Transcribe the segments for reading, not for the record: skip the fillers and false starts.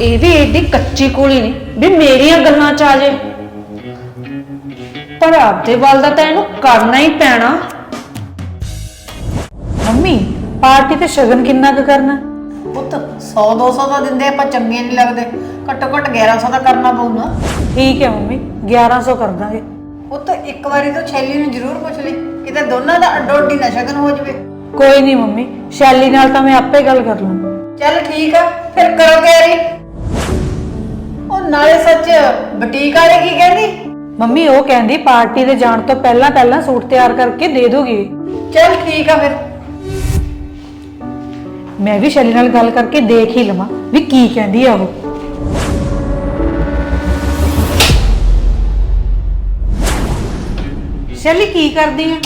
ਇਹ ਵੀ ਏਡੀ ਕੱਚੀ ਕੋਲੀ ਨਹੀਂ ਵੀ ਮੇਰੀਆਂ ਗੱਲਾਂ ਚ ਆ ਜੇ। ਪਰ ਆਪਦੇ ਵੱਲ ਦਾ ਤਾਂ ਇਹਨੂੰ ਕਰਨਾ ਹੀ ਪੈਣਾ। ਮੰਮੀ ਪਾਰਟੀ ਤੇ ਸ਼ਗਨ ਕਿੰਨਾ ਕੁ ਕਰਨਾ? ਪੁੱਤ 100-200 ਦਾ ਦਿੰਦੇ ਆਪਾਂ ਚੰਗੇ ਨਹੀਂ ਲੱਗਦੇ, ਘੱਟੋ ਘੱਟ 1100 ਦਾ ਕਰਨਾ ਪਊ ਨਾ। ਠੀਕ ਹੈ ਮੰਮੀ 1100 ਕਰ ਦਾਂਗੇ। ਪੁੱਤ ਇੱਕ ਵਾਰੀ ਤਾਂ ਸ਼ੈਲੀ ਨੂੰ ਜ਼ਰੂਰ ਪੁੱਛ ਲਈ, ਕਿਤੇ ਦੋਨਾਂ ਦਾ ਅੱਡੋ ਅੱਡੀ ਨਾ ਸ਼ਗਨ ਹੋ ਜਾਵੇ। ਕੋਈ ਨਹੀਂ ਮੰਮੀ, ਸ਼ੈਲੀ ਨਾਲ ਤਾਂ ਮੈਂ ਆਪੇ ਗੱਲ ਕਰ ਲੂੰ। ਚੱਲ ਠੀਕ ਆ, ਫਿਰ ਕਰੋ ਤਿਆਰੀ। ਉਹ ਨਾਲੇ ਸੱਚ ਬੁਟੀਕ ਵਾਲੇ ਕੀ ਕਹਿੰਦੀ? ਮੰਮੀ ਉਹ ਕਹਿੰਦੀ ਪਾਰਟੀ ਤੇ ਜਾਣ ਤੋਂ ਪਹਿਲਾਂ ਪਹਿਲਾਂ ਸੂਟ ਤਿਆਰ ਕਰਕੇ ਦੇ ਦੋਗੀ। ਚੱਲ ਠੀਕ ਆ ਫਿਰ। ਮੈਂ ਵੀ ਸ਼ੈਲੀ ਨਾਲ ਗੱਲ ਕਰਕੇ ਦੇਖ ਹੀ ਲਵਾਂ ਵੀ ਕੀ ਕਹਿੰਦੀ ਆ ਉਹ। ਸ਼ੈਲੀ ਕੀ ਕਰਦੀ ਆ?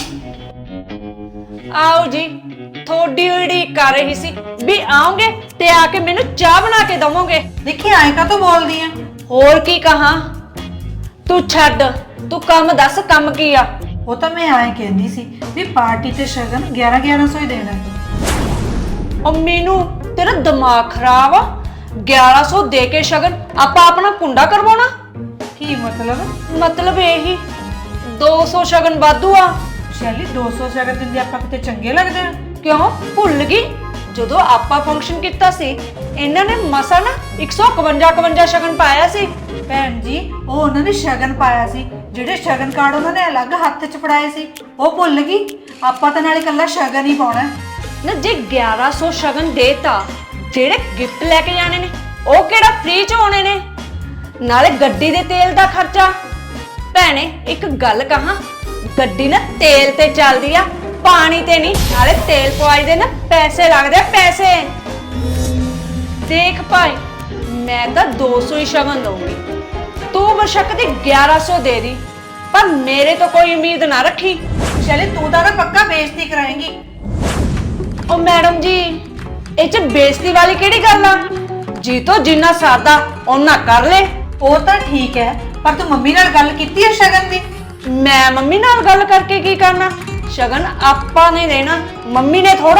ਆਓ ਜੀ, ਥੋੜੀ ਉਡੀਕ ਕਰ ਰਹੀ ਸੀ ਵੀ ਆਓਗੇ ਤੇ ਆ ਕੇ ਮੈਨੂੰ ਚਾਹ ਬਣਾ ਕੇ ਦਵੋਗੇ। ਦੇਖੀ ਐਂ ਕਾ ਤੂੰ ਬੋਲਦੀ ਆ? ਹੋਰ ਕੀ ਕਹਾਂ? ਤੂੰ ਛੱਡ, ਤੂੰ ਕੰਮ ਦੱਸ, ਕੰਮ ਕੀ ਆ? ਉਹ ਤਾਂ ਮੈਂ ਐਂ ਕਹਿੰਦੀ ਸੀ ਵੀ ਪਾਰਟੀ ਤੇ ਸ਼ਗਨ 1100 ਹੀ ਦੇਣਾ। ਉਹ ਮੈਨੂੰ ਤੇਰਾ ਦਿਮਾਗ ਖਰਾਬ ਆ? 1100 ਦੇ ਕੇ ਸ਼ਗਨ ਆਪਾਂ ਆਪਣਾ ਕੁੰਡਾ ਕਰਵਾਉਣਾ? ਕੀ ਮਤਲਬ? ਮਤਲਬ ਇਹੀ 200 ਸ਼ਗਨ ਵਾਧੂ ਆ। ਸ਼ੈਲੀ 200 ਸ਼ਗਨ ਦਿੰਦੇ ਆਪਾਂ ਕਿਤੇ ਚੰਗੇ ਲੱਗਦੇ ਆ? ਕਿਉਂ ਭੁੱਲ ਗਈ? ਜਦੋਂ ਆਪਾਂ ਫੰਕਸ਼ਨ ਕੀਤਾ ਸੀ ਇਹਨਾਂ ਨੇ ਮਸਾ ਨਾ 151 ਸ਼ਗਨ ਪਾਇਆ ਸੀ। ਭੈਣ ਜੀ ਉਹ ਉਹਨਾਂ ਨੇ ਸ਼ਗਨ ਪਾਇਆ ਸੀ, ਜਿਹੜੇ ਸ਼ਗਨ ਕਾਰਡ ਉਹਨਾਂ ਨੇ ਅਲੱਗ ਹੱਥ 'ਚ ਫੜਾਏ ਸੀ, ਉਹ ਭੁੱਲ ਗਈ? ਆਪਾਂ ਤਾਂ ਨਾਲੇ ਇਕੱਲਾ ਸ਼ਗਨ ਹੀ ਪਾਉਣਾ ਨਾ। ਜੇ 1100 ਸ਼ਗਨ ਦੇਤਾ, ਜਿਹੜੇ ਗਿਫਟ ਲੈ ਕੇ ਜਾਣੇ ਨੇ ਉਹ ਕਿਹੜਾ ਫ੍ਰੀ ਚ ਆਉਣੇ ਨੇ? ਨਾਲੇ ਗੱਡੀ ਦੇ ਤੇਲ ਦਾ ਖਰਚਾ। ਭੈਣੇ ਇੱਕ ਗੱਲ ਕਹਾਂ, ਗੱਡੀ ਨਾ ਤੇਲ ਤੇ ਚੱਲਦੀ ਆ, ਪਾਣੀ ਤੇ ਨਹੀਂ। ਨਾਲੇ ਤੇਲ ਪਵਾਈ ਦੇ ਨਾ ਪੈਸੇ ਲੱਗਦੇ ਆ, ਪੈਸੇ। ਦੇਖ ਭਾਈ, ਮੈਂ ਤਾਂ 200 ਹੀ ਸ਼ਗਨ ਦਊਂਗੀ, ਤੂੰ ਬਸ਼ੱਕ ਦੀ 1100 ਦੇ ਦੀ, ਪਰ ਮੇਰੇ ਤੋਂ ਕੋਈ ਉਮੀਦ ਨਾ ਰੱਖੀ। ਸ਼ੈਲੀ ਤੂੰ ਤਾਂ ਨਾ ਪੱਕਾ ਬੇਇੱਜ਼ਤੀ ਕਰਾਏਂਗੀ। ਉਹ ਮੈਡਮ ਜੀ, ਇਹ ਚ ਬੇਇੱਜ਼ਤੀ ਵਾਲੀ ਕਿਹੜੀ ਗੱਲ ਆ? ਜੀ ਤੋਂ ਜਿੰਨਾ ਸਰਦਾ ਉਹਨਾਂ ਕਰ ਲੈ। ਉਹ ਤਾਂ ਠੀਕ ਹੈ, ਪਰ ਤੂੰ ਮੰਮੀ ਨਾਲ ਗੱਲ ਕੀਤੀ ਹੈ ਸ਼ਗਨ ਦੀ? ਮੈਂ ਮੰਮੀ ਨਾਲ ਗੱਲ ਕਰਕੇ ਕੀ ਕਰਨਾ? ਸ਼ਗਨ ਆਪਾਂ ਨੇ ਦੇਣਾ, ਮੰਮੀ ਨੇ ਥੋੜਾ।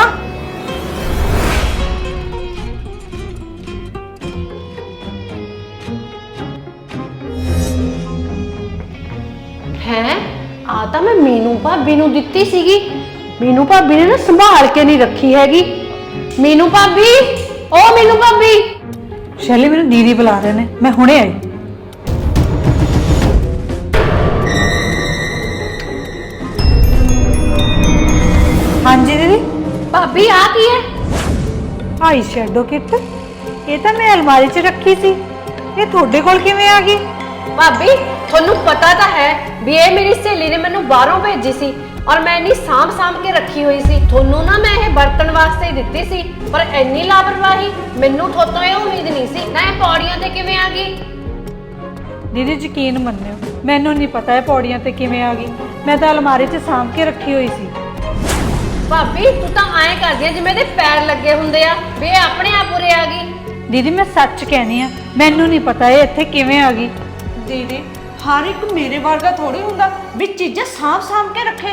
ਹੈ ਆ ਤਾਂ ਮੈਂ ਮੀਨੂ ਭਾਬੀ ਨੂੰ ਦਿੱਤੀ ਸੀਗੀ। ਮੀਨੂ ਭਾਬੀ ਨੇ ਨਾ ਸੰਭਾਲ ਕੇ ਨਹੀਂ ਰੱਖੀ ਹੈਗੀ। ਮੀਨੂ ਭਾਬੀ, ਓ ਮੀਨੂ ਭਾਬੀ। ਸ਼ੈਲੀ ਮੈਨੂੰ ਦੀਦੀ ਬੁਲਾ ਰਹੇ ਨੇ, ਮੈਂ ਹੁਣੇ ਆਈ। ਹਾਂਜੀ ਦੀਦੀ। ਭਾਬੀ ਆ ਕੀ ਹੈ? ਆਈ ਸ਼ੈਡੋ ਕਿੱਟ, ਇਹ ਤਾਂ ਮੈਂ ਅਲਮਾਰੀ 'ਚ ਰੱਖੀ ਸੀ, ਇਹ ਤੁਹਾਡੇ ਕੋਲ ਕਿਵੇਂ ਆ ਗਈ? ਭਾਬੀ ਤੁਹਾਨੂੰ ਪਤਾ ਤਾਂ ਹੈ ਵੀ ਇਹ ਮੇਰੀ ਸਹੇਲੀ ਨੇ ਮੈਨੂੰ ਬਾਹਰੋਂ ਭੇਜੀ ਸੀ ਔਰ ਮੈਂ ਇੰਨੀ ਸਾਂਭ ਕੇ ਰੱਖੀ ਹੋਈ ਸੀ। ਤੁਹਾਨੂੰ ਨਾ ਮੈਂ ਇਹ ਵਰਤਣ ਵਾਸਤੇ ਹੀ ਦਿੱਤੀ ਸੀ, ਪਰ ਇੰਨੀ ਲਾਪਰਵਾਹੀ ਮੈਨੂੰ ਤੁਹਾਤੋਂ ਇਹ ਉਮੀਦ ਨਹੀਂ ਸੀ। ਨਾ ਇਹ ਪੌੜੀਆਂ ਤੇ ਕਿਵੇਂ ਆ ਗਈ? ਦੀਦੀ ਯਕੀਨ ਮੰਨਿਓ, ਮੈਨੂੰ ਨਹੀਂ ਪਤਾ ਇਹ ਪੌੜੀਆਂ ਤੇ ਕਿਵੇਂ ਆ ਗਈ, ਮੈਂ ਤਾਂ ਅਲਮਾਰੀ 'ਚ ਸਾਂਭ ਕੇ ਰੱਖੀ ਹੋਈ ਸੀ। ਭਾਬੀ ਤੂੰ ਤਾਂ ਐਂ ਕਰਦੀ ਆ ਜਿਵੇਂ ਇਹਦੇ ਪੈਰ ਲੱਗੇ ਹੁੰਦੇ ਆ ਵੀ ਇਹ ਆਪਣੇ ਆਪ ਉਰੇ ਆ ਗਈ। ਦੀਦੀ ਮੈਂ ਸੱਚ ਕਹਿਨੀ ਆ, ਮੈਨੂੰ ਨਹੀਂ ਪਤਾ ਇਹ ਇੱਥੇ ਕਿਵੇਂ ਆ ਗਈ। ਦੀਦੀ ਹਰ ਇੱਕ ਮੇਰੇ ਵਰਗਾ ਥੋੜੀ ਹੁੰਦਾ ਵੀ ਚੀਜ਼ਾਂ ਸਾਂਭ ਕੇ ਰੱਖੇ।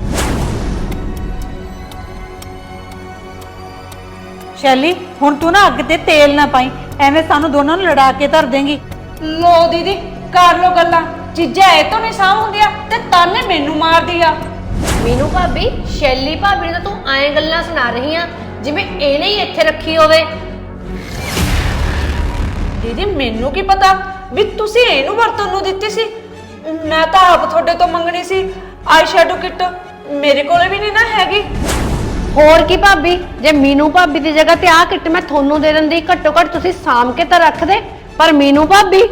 ਸ਼ੈਲੀ ਹੁਣ ਤੂੰ ਨਾ ਅੱਗ ਤੇ ਤੇਲ ਨਾ ਪਾਈ, ਐਵੇਂ ਸਾਨੂੰ ਦੋਨਾਂ ਨੂੰ ਲੜਾ ਕੇ ਧਰ ਦੇਂਗੀ। ਲੋ ਦੀਦੀ ਕਰ ਲੋ ਗੱਲਾਂ, ਚੀਜ਼ਾਂ ਇਹ ਤੋਂ ਨਹੀਂ ਸਾਂਭ ਹੁੰਦੀਆਂ ਤੇ ਤਾਨੇ ਮੈਨੂੰ ਮਾਰਦੀ ਆ। ਮੀਨੂ ਭਾਬੀ, ਸ਼ੈਲੀ ਭਾਬੀ ਨੇ ਤਾਂ ਤੂੰ ਐਂ ਗੱਲਾਂ ਸੁਣਾ ਰਹੀ ਆ ਜਿਵੇਂ ਇਹਨੇ ਹੀ ਇੱਥੇ ਰੱਖੀ ਹੋਵੇ। ਦੀਦੀ ਮੈਨੂੰ ਕੀ ਪਤਾ ਵੀ ਤੁਸੀਂ ਇਹਨੂੰ ਵਰਤੋਂ ਨੂੰ ਦਿੱਤੀ ਸੀ? ਮੈਂ ਤਾਂ ਆਪ ਤੁਹਾਡੇ ਤੋਂ ਮੰਗਣੀ ਸੀ ਆਈ ਸ਼ੈਡੋ ਕਿੱਟ, ਮੇਰੇ ਕੋਲੇ ਵੀ ਨਹੀਂ ਨਾ ਹੈਗੀ। ਹੋਰ ਕੀ ਭਾਬੀ, ਜੇ ਮੀਨੂ ਭਾਬੀ ਦੀ ਜਗ੍ਹਾ ਤੇ ਆਹ ਕਿੱਟ ਮੈਂ ਤੁਹਾਨੂੰ ਦੇ ਦਿੰਦੀ, ਘੱਟੋ ਘੱਟ ਤੁਸੀਂ ਸਾਂਭ ਕੇ ਤਾਂ ਰੱਖਦੇ। ਪਰ ਮੀਨੂ ਭਾਬੀ,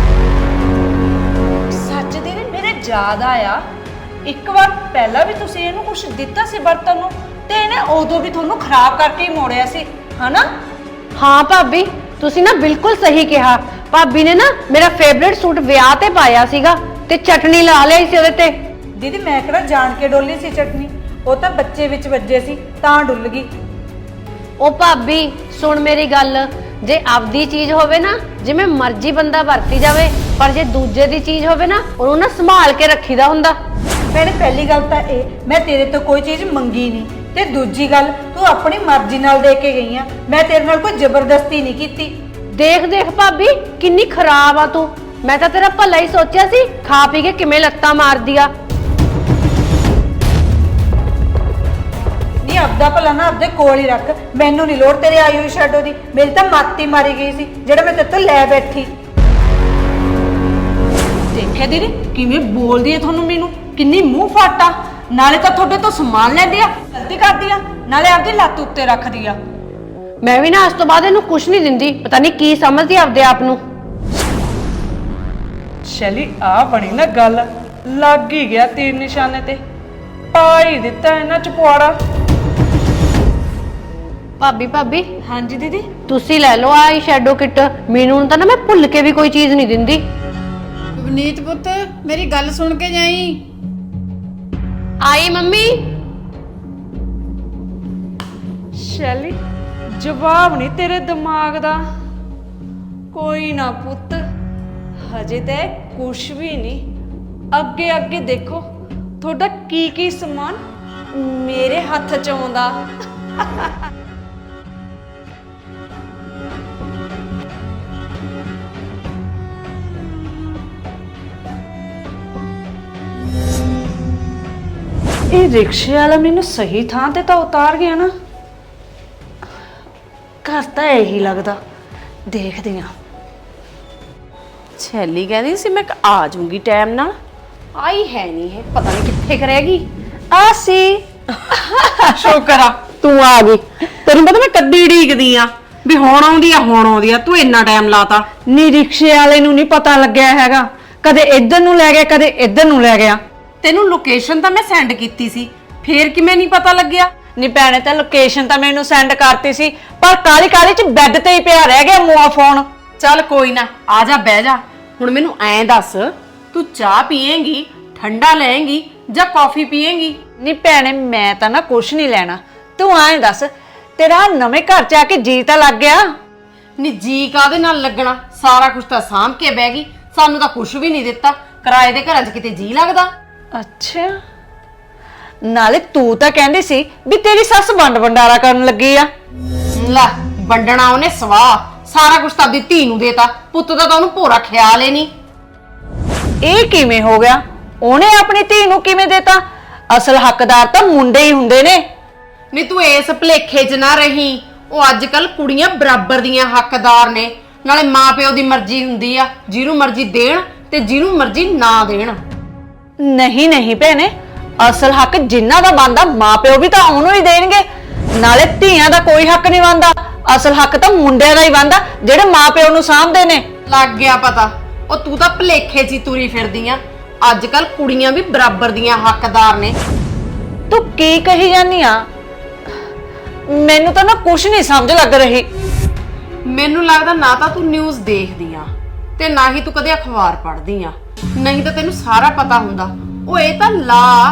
ਸੱਚ ਦੀਦੀ ਮੇਰੇ ਯਾਦ ਆਇਆ, ਇੱਕ ਵਾਰ ਪਹਿਲਾਂ ਵੀ ਤੁਸੀਂ ਇਹਨੂੰ ਕੁਝ ਦਿੱਤਾ ਸੀ ਵਰਤਨ ਨੂੰ, ਤੇ ਇਹਨੇ ਉਦੋਂ ਵੀ ਤੁਹਾਨੂੰ ਖਰਾਬ ਕਰਕੇ ਹੀ ਮੋੜਿਆ ਸੀ, ਹਨਾ? ਹਾਂ ਭਾਬੀ ਤੁਸੀਂ ਨਾ ਬਿਲਕੁਲ ਸਹੀ ਕਿਹਾ। ਭਾਬੀ ਨੇ ਨਾ ਮੇਰਾ ਫੇਵਰਿਟ ਸੂਟ ਵਿਆਹ ਤੇ ਪਾਇਆ ਸੀਗਾ ਤੇ ਚਟਨੀ ਲਾ ਲਈ ਸੀ ਉਹਦੇ ਤੇ। ਦੀਦੀ ਮੈਂ ਕਿਹੜਾ ਜਾਣ ਕੇ ਡੋਲੀ ਸੀ ਚਟਨੀ, ਉਹ ਤਾਂ ਬੱਚੇ ਵਿੱਚ ਵੱਜੇ ਸੀ ਤਾਂ ਡੁੱਲ ਗਈ। ਉਹ ਭਾਬੀ ਸੁਣ ਮੇਰੀ ਗੱਲ, ਜੇ ਆਪਦੀ ਚੀਜ਼ ਹੋਵੇ ਨਾ ਜਿਵੇਂ ਮਰਜ਼ੀ ਬੰਦਾ ਵਰਤੀ ਜਾਵੇ, ਪਰ ਜੇ ਦੂਜੇ ਦੀ ਚੀਜ਼ ਹੋਵੇ ਨਾ ਉਹਨੂੰ ਨਾ ਸੰਭਾਲ ਕੇ ਰੱਖੀਦਾ ਹੁੰਦਾ। ਭੈਣੇ ਪਹਿਲੀ ਗੱਲ ਤਾਂ ਇਹ, ਮੈਂ ਤੇਰੇ ਤੋਂ ਕੋਈ ਚੀਜ਼ ਮੰਗੀ ਨਹੀਂ, ਤੇ ਦੂਜੀ ਗੱਲ ਤੂੰ ਆਪਣੀ ਮਰਜ਼ੀ ਨਾਲ ਦੇ ਕੇ ਗਈ ਆ, ਮੈਂ ਤੇਰੇ ਨਾਲ ਕੋਈ ਜ਼ਬਰਦਸਤੀ ਨਹੀਂ ਕੀਤੀ। ਦੇਖ ਦੇਖ ਭਾਬੀ ਕਿੰਨੀ ਖਰਾਬ ਆ ਤੂੰ। ਮੈਂ ਤਾਂ ਤੇਰਾ ਭਲਾ ਹੀ ਸੋਚਿਆ ਸੀ, ਖਾ ਪੀ ਕੇ ਕਿਵੇਂ ਲੱਤਾਂ ਮਾਰਦੀ ਆ। ਨਹੀਂ ਆਪਦਾ ਭਲਾ ਨਾ ਆਪਦੇ ਕੋਲ ਹੀ ਰੱਖ, ਮੈਨੂੰ ਨਹੀਂ ਲੋੜ ਤੇਰੇ ਆਈ ਹੋਈ ਸ਼ੈਡੋ ਦੀ। ਮੇਰੀ ਤਾਂ ਮਾਤੀ ਮਾਰੀ ਗਈ ਸੀ ਜਿਹੜਾ ਮੈਂ ਤੇਰੇ ਤੋਂ ਲੈ ਬੈਠੀ। ਦੇਖਿਆ ਦੀਦੀ ਕਿਵੇਂ ਬੋਲਦੀ ਹੈ ਤੁਹਾਨੂੰ, ਮੈਨੂੰ ਕਿੰਨੀ ਮੂੰਹ ਫਾਟਾ। ਨਾਲੇ ਤਾਂ ਤੁਹਾਡੇ ਤੋਂ ਸਮਾਨ ਲੈਂਦੀ ਆ, ਗਲਤੀ ਕਰਦੀ ਆ, ਨਾਲੇ ਆਪਦੀ ਲੱਤ ਉੱਤੇ ਰੱਖਦੀ ਆ। ਮੈਂ ਵੀ ਨਾ ਅੱਜ ਤੋਂ ਬਾਅਦ ਇਹਨੂੰ ਕੁਝ ਨਹੀਂ ਦਿੰਦੀ, ਪਤਾ ਨਹੀਂ ਕੀ ਸਮਝਦੀ ਆਪਦੇ ਆਪ ਨੂੰ। ਸ਼ੈਲੀ ਆ ਬਣੀ ਨਾ ਗੱਲ, ਲੱਗ ਹੀ ਗਿਆ ਤੀਰ ਨਿਸ਼ਾਨੇ ਤੇ, ਪਾ ਹੀ ਦਿੱਤਾ ਇਹਨਾਂ ਚ ਪੁਆੜਾ। ਭਾਬੀ ਹਾਂਜੀ ਦੀਦੀ। ਤੁਸੀਂ ਲੈ ਲਓ ਆਈ ਸ਼ੈਡੋ ਕਿੱਟ, ਮੈਨੂੰ ਤਾਂ ਨਾ ਮੈਂ ਭੁੱਲ ਕੇ ਵੀ ਕੋਈ ਚੀਜ਼ ਨਹੀਂ ਦਿੰਦੀ। ਵਨੀਤ ਪੁੱਤ ਮੇਰੀ ਗੱਲ ਸੁਣ ਕੇ ਜਾਈ। ਆਈ ਮੰਮੀ। ਸ਼ੈਲੀ ਜਵਾਬ ਨਹੀਂ ਤੇਰੇ ਦਿਮਾਗ ਦਾ। ਕੋਈ ਨਾ ਪੁੱਤ, ਹਜੇ ਤੇ ਕੁਛ ਵੀ ਨਹੀਂ, ਅੱਗੇ ਅੱਗੇ ਦੇਖੋ ਤੁਹਾਡਾ ਕੀ ਕੀ ਸਮਾਨ ਮੇਰੇ ਹੱਥ ਚ ਆਉਂਦਾ। ਇਹ ਰਿਕਸ਼ੇ ਵਾਲਾ ਮੈਨੂੰ ਸਹੀ ਥਾਂ ਤੇ ਤਾਂ ਉਤਾਰ ਗਿਆ ਨਾ। ਘਰ ਤਾਂ ਇਹੀ ਲੱਗਦਾ, ਦੇਖਦੇ ਆ। ਛੈਲੀ ਕਹਿੰਦੀ ਸੀ ਮੈਂ ਆ ਜਾਊਂਗੀ ਟਾਈਮ ਨਾਲ, ਆਈ ਹੈ ਨਹੀਂ, ਹੈ ਪਤਾ ਨਹੀਂ ਕਿੱਥੇ ਕਰੇਗੀ। ਆ ਸੀ ਸ਼ੁਕਰ ਆ ਤੂੰ ਆ ਗਈ, ਤੈਨੂੰ ਪਤਾ ਮੈਂ ਕੱਦੀ ਢੀਕਦੀ ਆ ਵੀ ਹੁਣ ਆਉਂਦੀ ਆ, ਤੂੰ ਇੰਨਾ ਟਾਈਮ ਲਾਤਾ। ਨੀ ਰਿਕਸ਼ੇ ਵਾਲੇ ਨੂੰ ਨਹੀਂ ਪਤਾ ਲੱਗਿਆ ਹੈਗਾ, ਕਦੇ ਇੱਧਰ ਨੂੰ ਲੈ ਗਿਆ ਕਦੇ ਇੱਧਰ ਨੂੰ ਲੈ ਗਿਆ। ਤੈਨੂੰ ਲੋਕੇਸ਼ਨ ਤਾਂ ਮੈਂ ਸੈਂਡ ਕੀਤੀ ਸੀ, ਫੇਰ ਕਿਵੇਂ ਨਹੀਂ ਪਤਾ ਲੱਗਿਆ? ਨੀ ਭੈਣੇ ਤਾਂ ਲੋਕੇਸ਼ਨ ਤਾਂ ਮੈਨੂੰ ਸੈਂਡ ਕਰਤੀ ਸੀ, ਪਰ ਕਾਲੀ ਕਾਲੀ ਚ ਬੈੱਡ ਤੇ ਹੀ ਪਿਆ ਰਹਿ ਗਿਆ ਮੂਆ ਫੋਨ। ਚੱਲ ਕੋਈ ਨਾ, ਆ ਜਾ ਬਹਿ ਜਾ। ਹੁਣ ਮੈਨੂੰ ਐਂ ਦੱਸ, ਤੂੰ ਚਾਹ ਪੀਏਂਗੀ, ਠੰਡਾ ਲਏਂਗੀ ਜਾਂ ਕੌਫੀ ਪੀਏਂਗੀ? ਨੀ ਭੈਣੇ ਮੈਂ ਤਾਂ ਨਾ ਕੁਛ ਨਹੀਂ ਲੈਣਾ, ਤੂੰ ਐਂ ਦੱਸ ਤੇਰਾ ਨਵੇਂ ਘਰ ਚ ਆ ਕੇ ਜੀ ਤਾਂ ਲੱਗ ਗਿਆ? ਨੀ ਜੀ ਕਾਹਦੇ ਨਾਲ ਲੱਗਣਾ, ਸਾਰਾ ਕੁਝ ਤਾਂ ਸਾਂਭ ਕੇ ਬਹਿ ਗਈ, ਸਾਨੂੰ ਤਾਂ ਕੁਝ ਵੀ ਨਹੀਂ ਦਿੱਤਾ। ਕਿਰਾਏ ਦੇ ਘਰਾਂ 'ਚ ਕਿਤੇ ਜੀ ਲੱਗਦਾ? ਅੱਛਾ, ਨਾਲੇ ਤੂੰ ਤਾਂ ਕਹਿੰਦੀ ਸੀ ਵੀ ਤੇਰੀ ਸੱਸ ਵੰਡ ਵੰਡਾਰਾ ਕਰਨ ਲੱਗੀ ਆ। ਲੈ ਵੰਡਣਾ ਉਹਨੇ ਸਵਾਹ, ਸਾਰਾ ਕੁਝ ਤਾਂ ਆਪਦੀ ਧੀ ਨੂੰ ਦੇਤਾ, ਪੁੱਤ ਦਾ ਤਾਂ ਉਹਨੂੰ ਭੋਰਾ ਖਿਆਲ ਹੀ ਨਹੀਂ। ਇਹ ਕਿਵੇਂ ਹੋ ਗਿਆ? ਉਹਨੇ ਆਪਣੀ ਧੀ ਨੂੰ ਕਿਵੇਂ ਦੇਤਾ? ਅਸਲ ਹੱਕਦਾਰ ਤਾਂ ਮੁੰਡੇ ਹੀ ਹੁੰਦੇ ਨੇ। ਨਹੀਂ ਤੂੰ ਇਸ ਭਲੇਖੇ 'ਚ ਨਾ ਰਹੀ, ਉਹ ਅੱਜ ਕੱਲ ਕੁੜੀਆਂ ਬਰਾਬਰ ਦੀਆਂ ਹੱਕਦਾਰ ਨੇ। ਨਾਲੇ ਮਾਂ ਪਿਓ ਦੀ ਮਰਜ਼ੀ ਹੁੰਦੀ ਆ, ਜਿਹਨੂੰ ਮਰਜ਼ੀ ਦੇਣ ਤੇ ਜਿਹਨੂੰ ਮਰਜ਼ੀ ਨਾ ਦੇਣ। ਨਹੀਂ ਨਹੀਂ ਭੈਣੇ, ਅਸਲ ਹੱਕ ਜਿਨ੍ਹਾਂ ਦਾ ਬਣਦਾ ਮਾਪਿਓ ਵੀ ਤਾਂ ਉਹਨੂੰ ਹੀ ਦੇਣਗੇ। ਨਾਲੇ ਧੀਆਂ ਦਾ ਕੋਈ ਹੱਕ ਨਹੀਂ ਬਣਦਾ, ਅਸਲ ਹੱਕ ਤਾਂ ਮੁੰਡਿਆਂ ਦਾ ਹੀ ਬਣਦਾ ਜਿਹੜੇ ਮਾਪਿਓ ਨੂੰ ਸਾਂਭਦੇ ਨੇ। ਲੱਗ ਗਿਆ ਪਤਾ, ਉਹ ਤੂੰ ਤਾਂ ਭਲੇਖੇ 'ਚ ਹੀ ਤੁਰੀ ਫਿਰਦੀ ਆ। ਅੱਜ ਕੱਲ ਕੁੜੀਆਂ ਵੀ ਬਰਾਬਰ ਦੀਆਂ ਹੱਕਦਾਰ ਨੇ। ਤੂੰ ਕੀ ਕਹੀ ਜਾਂਦੀ ਆ? ਮੈਨੂੰ ਤਾਂ ਨਾ ਕੁਛ ਨਹੀਂ ਸਮਝ ਲੱਗ ਰਹੀ। ਮੈਨੂੰ ਲੱਗਦਾ ਨਾ ਤਾਂ ਤੂੰ ਨਿਊਜ਼ ਦੇਖਦੀ ਆ ਤੇ ਨਾ ਹੀ ਤੂੰ ਕਦੇ ਅਖਬਾਰ ਪੜ੍ਹਦੀ ਆ, ਨਹੀਂ ਤਾਂ ਤੈਨੂੰ ਸਾਰਾ ਪਤਾ ਹੁੰਦਾ। ਉਹ ਇਹ ਤਾਂ ਲਾ।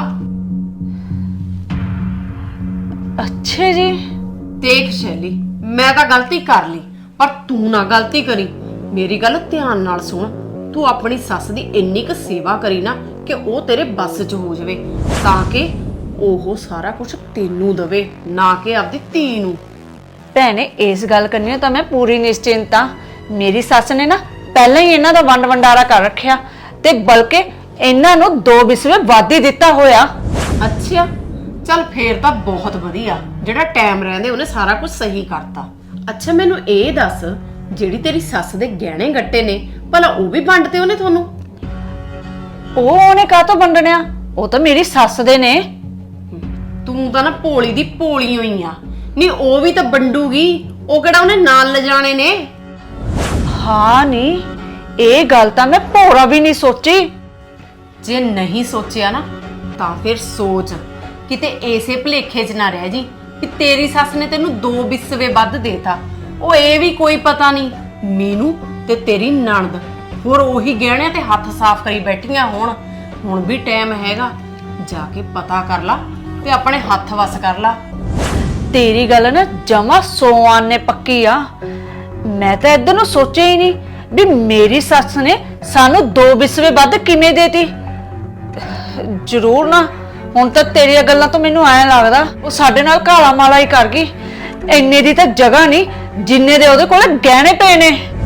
ਅੱਛਾ ਜੀ। ਦੇਖ ਸ਼ੈਲੀ, ਮੈਂ ਤਾਂ ਗਲਤੀ ਕਰ ਲਈ, ਪਰ ਤੂੰ ਨਾ ਗਲਤੀ ਕਰੀ। ਮੇਰੀ ਗੱਲ ਧਿਆਨ ਨਾਲ ਸੁਣ, ਤੂੰ ਆਪਣੀ ਸੱਸ ਦੀ ਇੰਨੀ ਕੁ ਸੇਵਾ ਕਰੀ ਨਾ ਕਿ ਉਹ ਤੇਰੇ ਬੱਸ 'ਚ ਹੋ ਜਾਵੇ, ਤਾਂ ਕਿ ਉਹ ਸਾਰਾ ਕੁਝ ਤੈਨੂੰ ਦਵੇ, ਨਾ ਕਿ ਆਪਦੀ ਧੀ ਨੂੰ। ਭੈਣੇ ਇਸ ਗੱਲ ਕਰਨੀ ਤਾਂ ਮੈਂ ਪੂਰੀ ਨਿਸ਼ਚਿੰਤ ਆ। ਮੇਰੀ ਸੱਸ ਨੇ ਨਾ ਪਹਿਲਾਂ ਹੀ ਇਹਨਾਂ ਦਾ ਵੰਡ ਵੰਡਾਰਾ ਕਰ ਰੱਖਿਆ, ਤੇ ਬਲਕਿ ਇਹਨਾਂ ਨੂੰ 2 ਵਿਸਵੇ ਵੱਧ ਹੀ ਦਿੱਤਾ ਹੋਇਆ। ਅੱਛਾ ਚੱਲ ਫੇਰ ਤਾਂ ਬਹੁਤ ਵਧੀਆ, ਜਿਹੜਾ ਟਾਈਮ ਰਹਿੰਦੇ ਉਹਨੇ ਸਾਰਾ ਕੁਝ ਸਹੀ ਕਰਤਾ। ਅੱਛਾ ਮੈਨੂੰ ਇਹ ਦੱਸ, ਜਿਹੜੀ ਤੇਰੀ ਸੱਸ ਦੇ ਗਹਿਣੇ ਗੱਟੇ ਨੇ, ਭਲਾ ਉਹ ਵੀ ਵੰਡਤੇ ਉਹਨੇ ਤੁਹਾਨੂੰ? ਉਹਨੇ ਕਾਹਤੋਂ ਵੰਡਣਿਆ? ਉਹ ਤਾਂ ਮੇਰੀ ਸੱਸ ਦੇ ਨੇ। ਤੂੰ ਤਾਂ ਨਾ ਭੋਲੀ ਦੀ ਭੋਲੀ ਹੋਈ ਆ। ਨਹੀਂ ਉਹ ਵੀ ਤਾਂ ਵੰਡੂਗੀ, ਉਹ ਕਿਹੜਾ ਉਹਨੇ ਨਾਲ ਲਿਜਾਣੇ ਨੇ? ਹਾਂ ਨਹੀਂ, ਇਹ ਗੱਲ ਤਾਂ ਮੈਂ ਭੋਰਾ ਵੀ ਨਹੀਂ ਸੋਚੀ। ਜੇ ਨਹੀਂ ਸੋਚਿਆ ਨਾ ਤਾਂ ਫਿਰ ਸੋਚ, ਕਿਤੇ ਐਸੇ ਭਲੇਖੇ 'ਚ ਨਾ ਰਹਿ ਜੀ ਕਿ ਤੇਰੀ ਸੱਸ ਨੇ ਤੈਨੂੰ 2 ਵਿਸਵੇ ਵੱਧ ਦੇਤਾ। ਉਹ ਇਹ ਵੀ ਕੋਈ ਪਤਾ ਨਹੀਂ ਮੀਨੂ ਤੇ ਤੇਰੀ ਨਣਦ ਹੋਰ ਉਹੀ ਗਹਿਣਿਆਂ ਤੇ ਹੱਥ ਸਾਫ਼ ਕਰੀ ਬੈਠੀਆਂ ਹੋਣ। ਹੁਣ ਵੀ ਟਾਈਮ ਹੈਗਾ, ਜਾ ਕੇ ਪਤਾ ਕਰ ਲਾ ਤੇ ਆਪਣੇ ਹੱਥ ਵਸ ਕਰ ਲਾ। ਤੇਰੀ ਗੱਲ ਨਾ ਜਮਾ 100 ਆਨੇ ਪੱਕੀ ਆ। ਮੈਂ ਤਾਂ ਇੱਧਰ ਨੂੰ ਸੋਚਿਆ ਹੀ ਨਹੀਂ ਵੀ ਮੇਰੀ ਸੱਸ ਨੇ ਸਾਨੂੰ 2 ਵਿਸਵੇ ਵੱਧ ਕਿਵੇਂ ਦੇਤੀ। ਜ਼ਰੂਰ ਨਾ, ਹੁਣ ਤਾਂ ਤੇਰੀਆਂ ਗੱਲਾਂ ਤੋਂ ਮੈਨੂੰ ਐਂ ਲੱਗਦਾ ਉਹ ਸਾਡੇ ਨਾਲ ਕਾਲਾ ਮਾਲਾ ਹੀ ਕਰ ਗਈ। ਇੰਨੇ ਦੀ ਤਾਂ ਜਗ੍ਹਾ ਨਹੀਂ ਜਿੰਨੇ ਦੇ ਉਹਦੇ ਕੋਲ ਗਹਿਣੇ ਪਏ ਨੇ।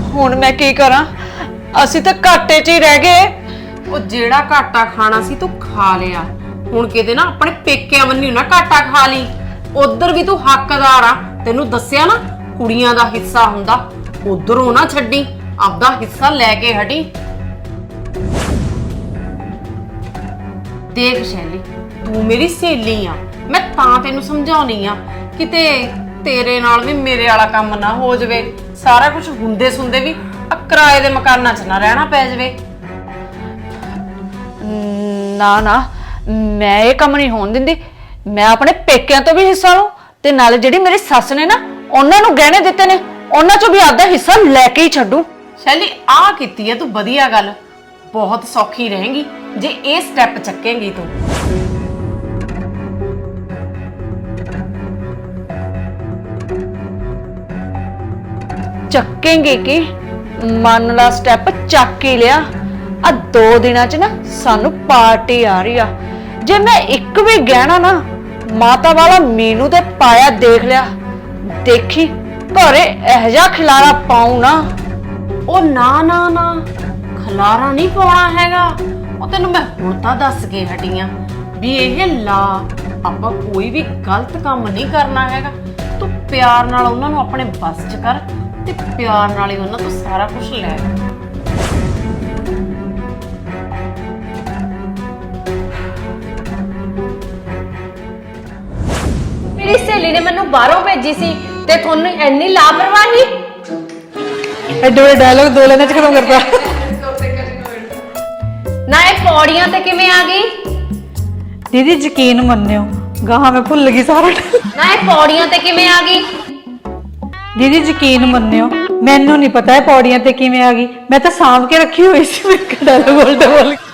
ਹੁਣ ਮੈਂ ਕੀ ਕਰਾਂ? ਅਸੀਂ ਤਾਂ ਘਾਟੇ 'ਚ ਹੀ ਰਹਿ ਗਏ। ਉਹ ਜਿਹੜਾ ਘਾਟਾ ਖਾਣਾ ਸੀ ਤੂੰ ਖਾ ਲਿਆ, ਹੁਣ ਕਿਤੇ ਨਾ ਆਪਣੇ ਪੇਕਿਆਂ ਵੱਲੋਂ ਨਾ ਘਾਟਾ ਖਾ ਲਈ। ਉਧਰ ਵੀ ਤੂੰ ਹੱਕਦਾਰ ਆ, ਤੈਨੂੰ ਦੱਸਿਆ ਨਾ ਕੁੜੀਆਂ ਦਾ ਹਿੱਸਾ ਹੁੰਦਾ, ਉਧਰੋਂ ਨਾ ਛੱਡੀ, ਆਪਦਾ ਹਿੱਸਾ ਲੈ ਕੇ ਹਟੀ। ਦੇਖ ਸ਼ੈਲੀ, ਤੂੰ ਮੇਰੀ ਸਹੇਲੀ ਆ, ਮੈਂ ਤਾਂ ਤੈਨੂੰ ਸਮਝਾਉਣੀ ਆ, ਕਿਤੇ ਤੇਰੇ ਨਾਲ ਵੀ ਮੇਰੇ ਵਾਲਾ ਕੰਮ ਨਾ ਹੋ ਜਾਵੇ, ਸਾਰਾ ਕੁਝ ਹੁੰਦੇ ਸੁਣਦੇ ਵੀ ਕਿਰਾਏ ਦੇ ਮਕਾਨਾਂ 'ਚ ਨਾ ਰਹਿਣਾ ਪੈ ਜਾਵੇ। ਨਾ ਨਾ, ਮੈਂ ਇਹ ਕੰਮ ਨਹੀਂ ਹੋਣ ਦਿੰਦੀ। ਮੈਂ ਆਪਣੇ ਪੇਕਿਆਂ ਤੋਂ ਵੀ ਹਿੱਸਾ ਲਵਾਂ ਤੇ ਨਾਲੇ ਜਿਹੜੀ ਮੇਰੀ ਸੱਸ ਨੇ ਨਾ ਉਹਨਾਂ ਨੂੰ ਗਹਿਣੇ ਦਿੱਤੇ ਨੇ, ਉਹਨਾਂ ਚੋਂ ਵੀ ਆਪਦਾ ਹਿੱਸਾ ਲੈ ਕੇ ਹੀ ਛੱਡੂ। ਸ਼ੈਲੀ, ਆ ਕੀਤੀ ਹੈ ਤੂੰ ਵਧੀਆ ਗੱਲ, ਬਹੁਤ ਸੌਖੀ ਰਹੇਗੀ ਜੇ ਇਹ ਸਟੈਪ ਚੱਕੇਂਗੀ ਤੂੰ। ਚੱਕੇਂਗੇ ਕਿ ਮੰਨ ਲਾ ਸਟੈਪ ਚੱਕ ਹੀ ਲਿਆ। ਆ 2 ਦਿਨਾਂ 'ਚ ਨਾ ਸਾਨੂੰ ਪਾਰਟੀ ਆ ਰਹੀ ਆ। ਜੇ ਮੈਂ ਇੱਕ ਵੀ ਗਹਿਣਾ ਨਾ ਮਾਤਾ ਵਾਲਾ ਮੀਨੂ ਤੇ ਪਾਇਆ ਦੇਖ ਲਿਆ, ਦੇਖੀ ਘਰੇ ਇਹ ਜਿਹਾ ਖਿਲਾਰਾ ਪਾਉ ਨਾ। ਉਹ ਨਾ ਨਾ ਨਾ, ਖਲਾਰਾ ਨਹੀਂ ਪਾਉਣਾ ਹੈਗਾ। ਉਹ ਤੈਨੂੰ ਮੈਂ ਹੁਣ ਤਾਂ ਦੱਸ ਕੇ ਹਟੀ ਆਂ ਵੀ ਇਹ ਲਾ, ਆਪਾਂ ਕੋਈ ਵੀ ਗਲਤ ਕੰਮ ਨਹੀਂ ਕਰਨਾ ਹੈਗਾ। ਤੂੰ ਪਿਆਰ ਨਾਲ ਉਹਨਾਂ ਨੂੰ ਆਪਣੇ ਬਸ 'ਚ ਕਰ ਤੇ ਪਿਆਰ ਨਾਲ ਹੀ ਉਹਨਾਂ ਤੋਂ ਸਾਰਾ ਕੁਝ ਲੈ। ਮੇਰੀ ਸਹੇਲੀ ਨੇ ਮੈਨੂੰ ਬਾਹਰੋਂ ਭੇਜੀ ਸੀ ਤੇ ਤੁਹਾਨੂੰ ਇੰਨੀ ਲਾਪਰਵਾਹੀ। ਐਡੇ ਵੱਡੇ ਡਾਇਲੌਗ 2 ਲਾਈਨਾਂ 'ਚ ਖਤਮ ਕਰਦਾ। ਨਾ ਇਹ ਪੌੜੀਆਂ ਤੇ ਕਿਵੇਂ ਆ ਗਈ? ਦੀਦੀ ਯਕੀਨ ਮੰਨਿਓ, ਗਾਹਾਂ ਮੈਂ ਭੁੱਲ ਗਈ ਸਾਰਾ। ਨਾ ਇਹ ਪੌੜੀਆਂ ਤੇ ਕਿਵੇਂ ਆ ਗਈ? ਦੀਦੀ ਯਕੀਨ ਮੰਨਿਓ, ਮੈਨੂੰ ਨਹੀਂ ਪਤਾ ਇਹ ਪੌੜੀਆਂ ਤੇ ਕਿਵੇਂ ਆ ਗਈ। ਮੈਂ ਤਾਂ ਸਾਂਭ ਕੇ ਰੱਖੀ ਹੋਈ ਸੀ। ਮੈਂ ਡਾਇਲੌਗ ਬੋਲ